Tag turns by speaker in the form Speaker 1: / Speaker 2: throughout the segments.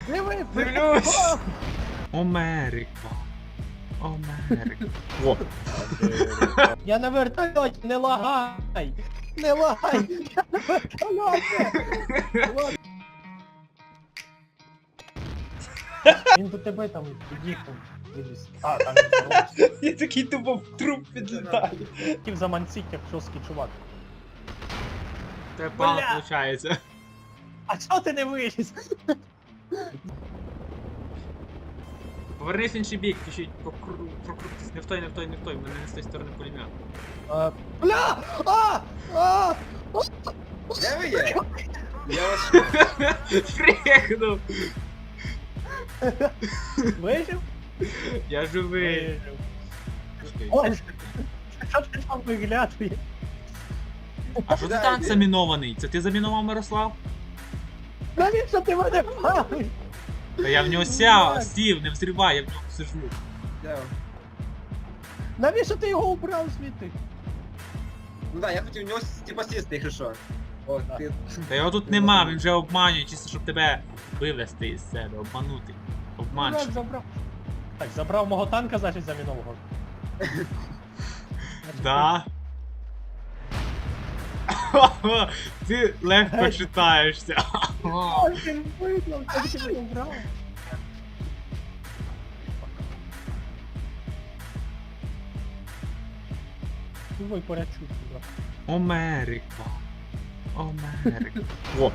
Speaker 1: Диви,
Speaker 2: Дивлюсь! Америка. Америка. О!
Speaker 1: Я на вертольоті, не лагай! Не лагай! Я на вертольоті! Він до тебе там під'їхав. Виліз. А, там він здоровався.
Speaker 2: Я такий тупо в труп підлітаю.
Speaker 1: Хотів заманцить, як жорсткий чувак.
Speaker 2: Це погано
Speaker 1: Бля!
Speaker 2: виходить.
Speaker 1: А чого ти не виліз?
Speaker 2: Повернись в інший бік, ти ще й прокрутись. Не в той, не в той, не в той. Мене не з тої сторони пулемет.
Speaker 1: Бля! А!
Speaker 3: Де ви є? Я вас
Speaker 2: Фрехнув!
Speaker 1: Вижив?
Speaker 2: Я живий.
Speaker 1: Вижив. Ой, що ти там виглядує?
Speaker 2: А що ти танк замінований? Це ти замінував, Мирослав?
Speaker 1: Навіщо ти мене палиш?
Speaker 2: Та я в нього сів, не взривай, я в нього сижу.
Speaker 3: Де?
Speaker 1: Навіщо ти його убрав звідти?
Speaker 3: Ну да, я хотів у нього типа сісти, якщо що. О,
Speaker 1: Да.
Speaker 3: ти...
Speaker 2: Та його тут нема, він вже обманює, чисто щоб тебе вивести із себе, обманути. Обманщик.
Speaker 1: Забрав. Так, забрав мого танка, значить замінового.
Speaker 2: Да. Ти легко читаєшся.
Speaker 1: Ой, ти визнав, це ти мене убрав. Давай порячу сюди.
Speaker 2: Америка. Америка. О,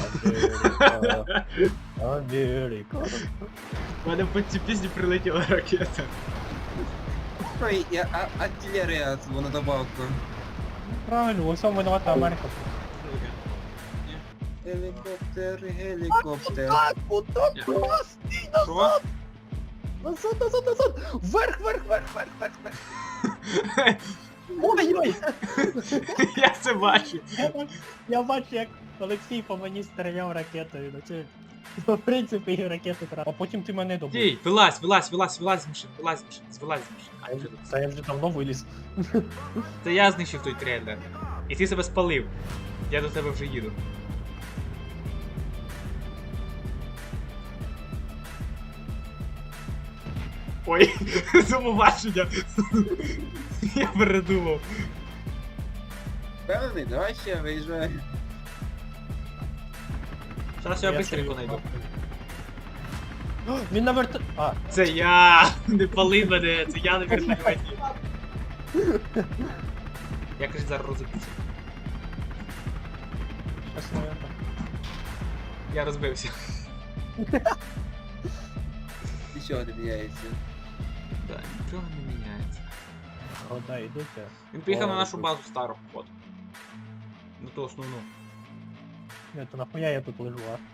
Speaker 1: Америка.
Speaker 2: в мене по цій пісні прилетіла ракета.
Speaker 3: Ну і артилерія на добавку.
Speaker 1: Правильно, у всьому виновата Америка.
Speaker 3: Гелікоптер, гелікоптер.
Speaker 1: Так, отак,
Speaker 2: Я-
Speaker 1: стій
Speaker 2: Що?
Speaker 1: назад! Назад, назад, назад! Вверх, вверх, вверх, вверх, вверх, вверх! Ой-ой!
Speaker 2: Я це бачу.
Speaker 1: Я бачу, як Олексій по мені стріляв ракетою. Ну це, в принципі, ракету треба. А потім ти мене добив.
Speaker 2: Дій, вилазь з машини, вилазь з машини. А, вже тут.
Speaker 1: Та я вже давно виліз.
Speaker 2: Це я знищив той трейлер. І ти себе спалив. Я до тебе вже їду. Ой, замовачення. Я передумав.
Speaker 3: Певний, давай ще виїжджай.
Speaker 2: Зараз я
Speaker 1: Я
Speaker 2: быстренько
Speaker 1: чую.
Speaker 2: знайду.
Speaker 1: О, він на верто... А,
Speaker 2: Це я! Не пали мене, це я на вертольоті. Я, кажуть, зараз розбився.
Speaker 1: щас моя там.
Speaker 2: Я розбився.
Speaker 3: Нічого не міняється.
Speaker 2: Так, нічого не міняється.
Speaker 1: О, да, йдуть.
Speaker 2: Він поїхав на
Speaker 1: О,
Speaker 2: нашу
Speaker 1: тут.
Speaker 2: базу стару, от. На ту основну.
Speaker 1: Ні, то нахуя я тут лежу, а?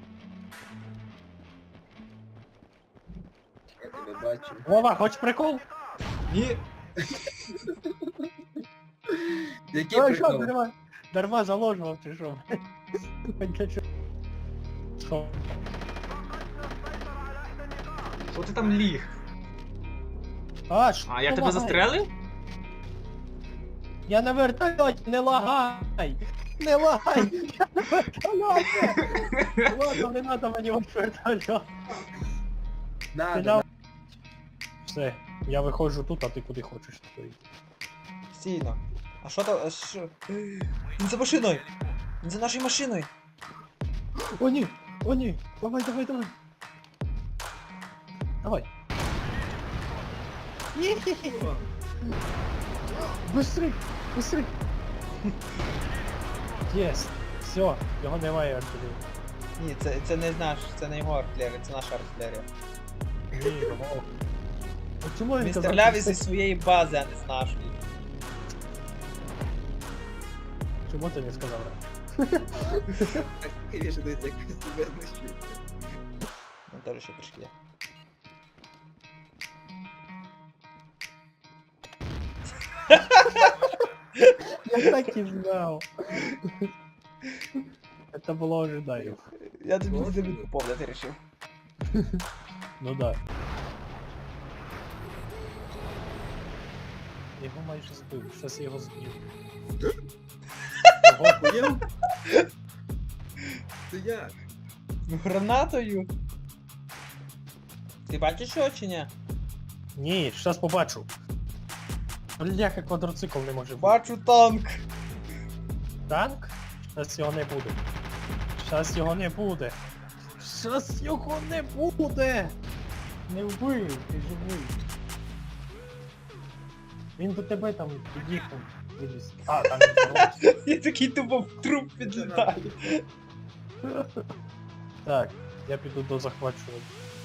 Speaker 3: Я тебе бачу.
Speaker 1: Вова, хочеш прикол?
Speaker 2: Ні!
Speaker 3: Який
Speaker 1: Ой, що,
Speaker 3: прикол?
Speaker 1: дарма заложував чи що? Для чого? Що?
Speaker 2: Що ти там ліг?
Speaker 1: А, що?
Speaker 2: А, я тебе
Speaker 1: лагає?
Speaker 2: застрелив?
Speaker 1: Я на вертольоті, не лагай! Не лагай! Я на вертольоті! Ладно, не надо мені ваш вертольот.
Speaker 3: Надо,
Speaker 1: Стріляв. Все, я виходжу тут, а ти куди хочеш стоїть.
Speaker 4: Стійно. А що то? Що? Він за машиною! Він за нашою машиною!
Speaker 1: О ні! О ні! Давай, давай, давай! Давай! Ні-хі-хі! Быстрей! Быстрей! Єс! Все, його немає артилерії.
Speaker 4: Ні, це не наш, це не його артилерія, це наша артилерія.
Speaker 1: Ні, його. А чому
Speaker 4: Він
Speaker 1: казав,
Speaker 4: стріляв
Speaker 1: що
Speaker 4: із своєї бази, а не з нашої.
Speaker 1: Чому ти не сказав?
Speaker 3: Так, конечно, дивіться, як ви себе знищуєте.
Speaker 4: Ну теж ще трішки є.
Speaker 1: Я так і знав. Это було ожидаемо.
Speaker 4: Я тобі не тобі повне, ти рішив.
Speaker 1: Ну да. Його майже збив, щас я його зб'ю. Ого,
Speaker 3: Поняв? Це як?
Speaker 4: Гранатою? Ти бачиш його чи ні?
Speaker 1: Ні, щас побачу. Бляха, квадроцикл не може бути.
Speaker 4: Бачу танк.
Speaker 1: Танк? Щас його не буде. Щас його не буде. Щас його не буде. Не вбив, ти живий. Він до тебе там під'їхав. Виліз. А, там він хороший.
Speaker 4: Я такий тупо в труп підлітаю.
Speaker 1: Так, я піду до захвачування.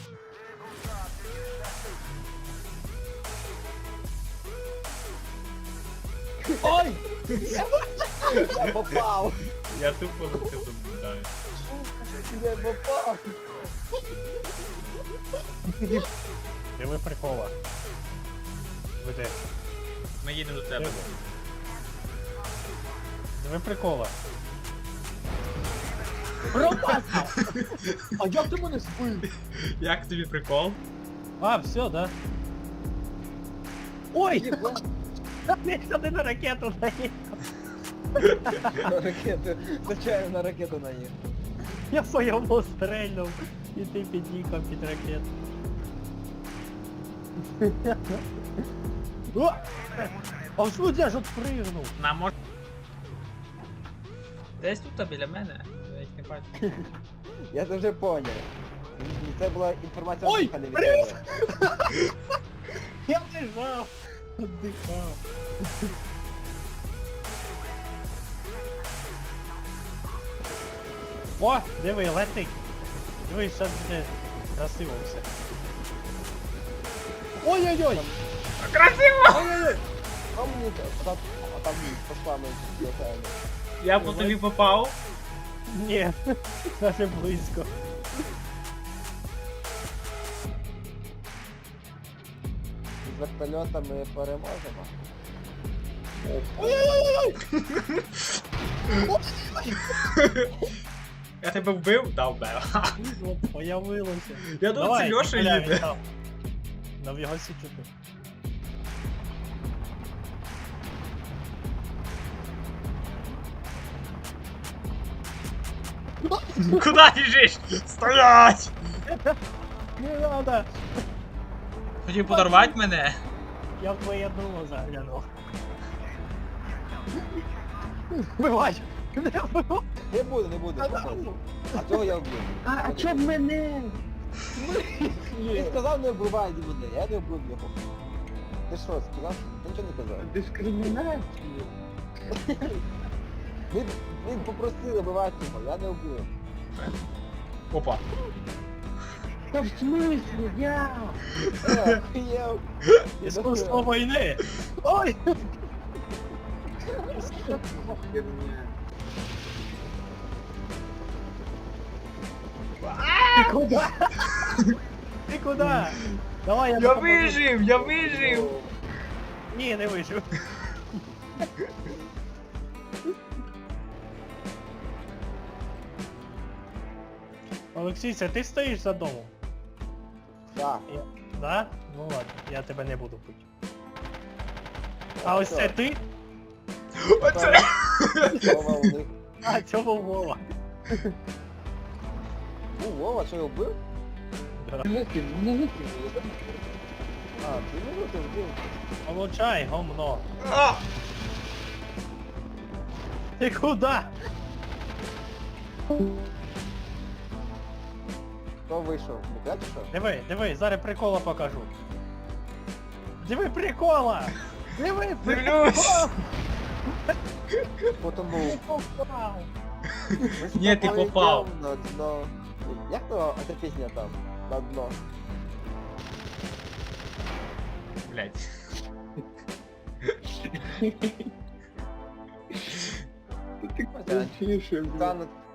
Speaker 1: Ой!
Speaker 3: Я попав!
Speaker 2: Я тупо за це наблюдаю.
Speaker 3: Я попав!
Speaker 1: Диви прикола. Веде.
Speaker 2: Ми їдемо до тебе.
Speaker 1: Диви прикола. Пропасав! А як ти мене збив?
Speaker 2: Як тобі прикол?
Speaker 1: А, все, да? Ой! Я сюди на ракету наїхав.
Speaker 3: На ракету, звичайно на ракету наїхав.
Speaker 1: Я по йому стрельнув. І ти під'їхав під ракету. О! А що я ж отпригнув?
Speaker 2: На, може... Десь тут біля мене. Я їх не бачу.
Speaker 3: Я це вже поняв. Це була інформація
Speaker 1: Ой,
Speaker 3: не від
Speaker 1: привіт!
Speaker 3: тебе.
Speaker 1: Я лежав. Отдихав. О, диви, летить. Диви, зараз буде красиво все. Ой-ой-ой!
Speaker 2: Красиво!
Speaker 3: Ой-ой-ой! А мені там пошла ми летаємо.
Speaker 2: Я по тобі попав.
Speaker 1: Ні, навіть близько.
Speaker 3: З вертольота ми переможемо.
Speaker 2: Я тебе вбив? Да, вбив.
Speaker 1: От, появилося.
Speaker 2: Я думав, це Льоша
Speaker 1: Коля,
Speaker 2: їде.
Speaker 1: він там. На в його січути.
Speaker 2: Куда біжиш? Стоять!
Speaker 1: Не надо!
Speaker 2: Хотів подорвати мене?
Speaker 1: Я в твоє дуло заглянув. Вбивай! Не вбивай!
Speaker 3: Не буде, не буде. А цього я вбив.
Speaker 1: А чо б мене?
Speaker 3: Ти сказав не вбивай мене, я не вбив його. Ти що, сказав? Ти нічого не казав.
Speaker 1: Дискримінація.
Speaker 3: Він попросив вбивати його, я не вбив.
Speaker 2: Опа.
Speaker 1: Та в смислі, я?
Speaker 3: Охуєв.
Speaker 1: Іскусство війни! Ой! Ти куди? Ти куди? Давай я
Speaker 2: Я
Speaker 1: допоможу.
Speaker 2: вижив, я вижив!
Speaker 1: Ні, не вижив. Олексій, це ти стоїш за домом?
Speaker 3: Так.
Speaker 1: Да? Ну ладно, я тебе не буду пити. А ось це ти?
Speaker 2: Оце!
Speaker 3: Вова у них.
Speaker 1: А, цього Вова.
Speaker 3: Ну, Вова, що його вбив?
Speaker 1: Да.
Speaker 3: А, ти не вбив?
Speaker 1: Получай, гомно.
Speaker 2: А!
Speaker 1: Ти куди?
Speaker 3: Хто вийшов? Не чи що?
Speaker 1: Диви, диви, зараз прикола покажу. Диви прикола! Диви
Speaker 2: Дивлюсь!
Speaker 3: Потім був.
Speaker 1: Ти попав!
Speaker 3: Ми з
Speaker 2: Ні, ти
Speaker 3: тобою
Speaker 2: попав.
Speaker 3: йдемо на дно. Як то ця пісня там? На дно.
Speaker 2: Блять.
Speaker 3: Тануть